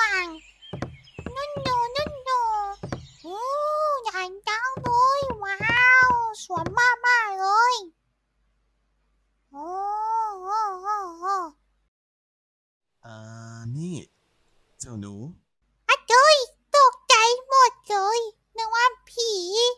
างนุ่นโดโอ้ใหญ่จังเลยว้าวสวยมากเลยโอ้โอ้โอ้โอ้อ่านี่เจ้าหนูอะเจยตกใจหมดเลยนึกว่าผี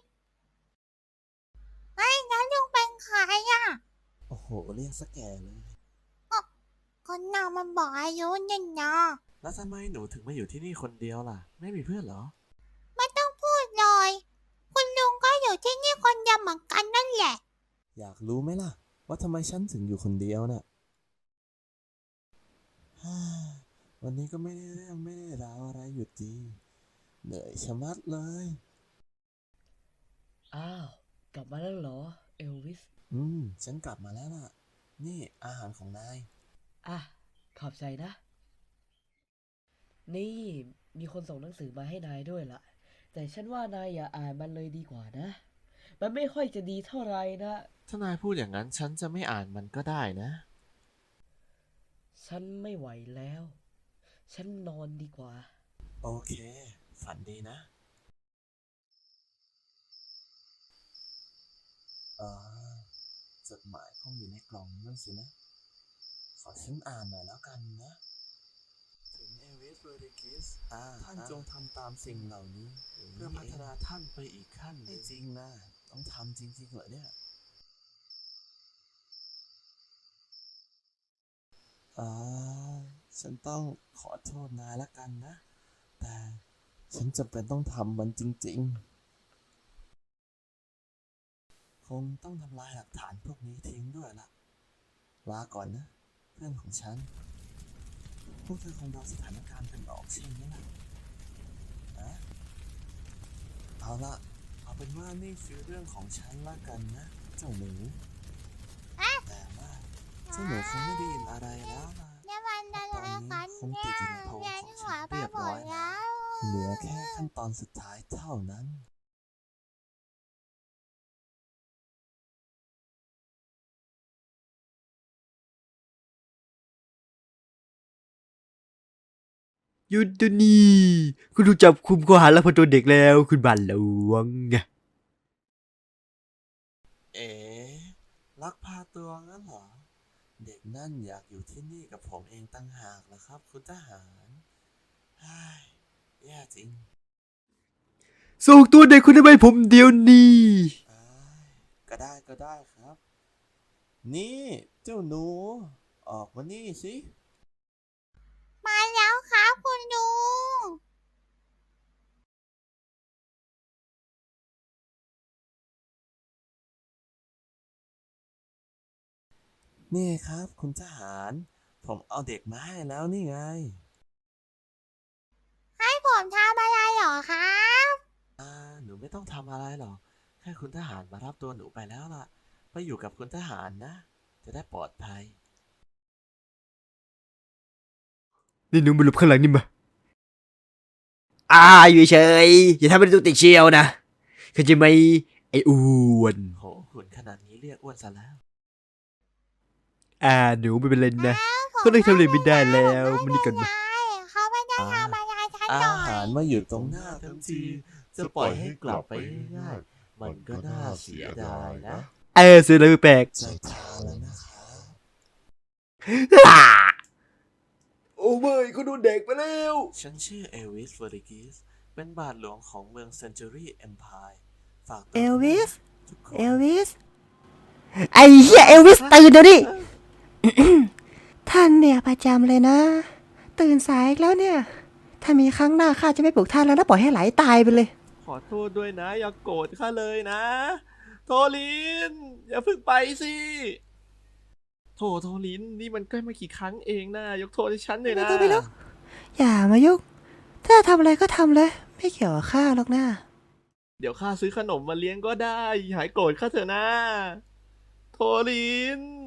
ไอ้นั้นลุงเป็นใครอ่ะโอ้โหเรียกซะแก่เลยคนนางมันบอกอายุเนี่ยนะแล้วทำไมหนูถึงมาอยู่ที่นี่คนเดียวล่ะ ไม่มีเพื่อนเหรอไม่ต้องพูดเลยคุณลุงก็อยู่ที่นี่คนเดียวเหมือนกันนั่นแหละอยากรู้ไหมล่ะ ว่าทำไมฉันถึงอยู่คนเดียวน่ะ ฮ่าวันนี้ก็ไม่ได้เรื่องไม่ได้ราวอะไรอยู่ดีเหนื่อยชะมัดเลยอ้าวกลับมาแล้วเหรอเอลวิสฉันกลับมาแล้วล่ะ นี่อาหารของนายอ่ะขอบใจนะ นี่มีคนส่งหนังสือมาให้นายด้วยล่ะ แต่ฉันว่านายอย่าอ่านมันเลยดีกว่านะ มันไม่ค่อยจะดีเท่าไหร่นะถ้านายพูดอย่างนั้นฉันจะไม่อ่านมันก็ได้นะฉันไม่ไหวแล้ว ฉันนอนดีกว่าโอเค ฝันดีนะจดหมายคงอยู่ในกล่องนั่นสินะ ขอฉันอ่านหน่อยแล้วกันนะ ถึงเอวิสโรดิกิสท่านจงทำตามสิ่งเหล่านี้ เพื่อพัฒนาท่านไปอีกขั้นไม่จริงนะ ต้องทำจริงๆเหรอเนี่ยฉันต้องขอโทษนายละกันนะ แต่ฉันจำเป็นต้องทำมันจริงๆ คงต้องทำลายหลักฐานพวกนี้ทิ้งด้วยล่ะลาก่อนนะ เพื่อนของฉัน พวกเธอคงเดาสถานการณ์กันออกใช่ไหมล่ะเอาละเอาเป็นว่านี่คือเรื่องของฉันละกันนะ เจ้าหนูแต่ว่าเจ้าหนูคงไม่ได้ยินอะไรแล้วล่ะเนี่ยมันอะไรกันคงเนี่ติยดอยู่ในโพรงเรียนของหัฉัวน ไปเรียบหมร้อดยแล้วเหลือแค่ขั้นตอนสุดท้ายเท่านั้นหยุดเดี๋ยวนี้คุณถูกจับคุมข้อหาลักพาตัวเด็กแล้วคุณบัลหลวงเอ๋ลักพาตัวงั้นเหรอ เด็กนั่นอยากอยู่ที่นี่กับผมเองตั้งหากเหรอครับ คุณทหารฮ่ายแย่จริงส่งตัวเด็กคนนี้ไปผมเดี๋ยวนี้อ้ายก็ได้ครับ นี่เจ้าหนู ออกมานี่สิมาแล้วครับคุณลุงนี่ครับคุณทหาร ผมเอาเด็กมาให้แล้วนี่ไงให้ผมทำอะไรเหรอครับหนูไม่ต้องทำอะไรหรอก แค่คุณทหารมารับตัวหนูไปแล้วล่ะ ไปอยู่กับคุณทหารนะ จะได้ปลอดภัยนี่หนูมาหลบข้างหลังนี่มาอยู่เฉยอย่าทำเป็นตัวติดเชียวนะเข้าใจไหมไอ้อ้วนโหหุ่นขนาดนี้เรียกอ้วนซะแล้วหนูไม่เป็นไรนะผมก็เลยทำอะไรไม่ได้แล้วไม่มันนี่ก่อนเป็มาไรเขาไม่ได้ทำอะไรฉันอาหน่อหาย รมาอยู่ตรงหน้าทั้งที จะปล่อยให้กลับไปง่ายๆมันก็น่าเสียดายนะเสียอะไรแปลกจะทานแล้วนะครับโอ้เว้ยเขาโดนเด็กไปแล้วฉันชื่อเอวิสเวอริกิส เป็นบาทหลวงของเมืองเซนจูรี่เอ็มพายฝากตัวเอลวิสทุกคนเอลวิส ไอ้เหี้ยเอลวิสตื่นเดี๋ยวนี้ ท่านเนี่ยประจำเลยนะ ตื่นสายอีกแล้วเนี่ย ถ้ามีครั้งหน้าข้าจะไม่ปลุกท่านแล้วนะปล่อยให้ไหลตายไปเลยขอโทษด้วยนะ อย่าโกรธข้าเลยนะ โทลิน อย่าเพิ่งไปสิโทลิน นี่มันใกล้มากี่ครั้งเองนะ ยกโทษให้ฉันหน่อยนะไม่ต้อง อย่ามายุ่งถ้าทำอะไรก็ทำเลย ไม่เกี่ยวกับข้าหรอกนะเดี๋ยวข้าซื้อขนมมาเลี้ยงก็ได้ หายโกรธข้าเถอะนะ โทลิน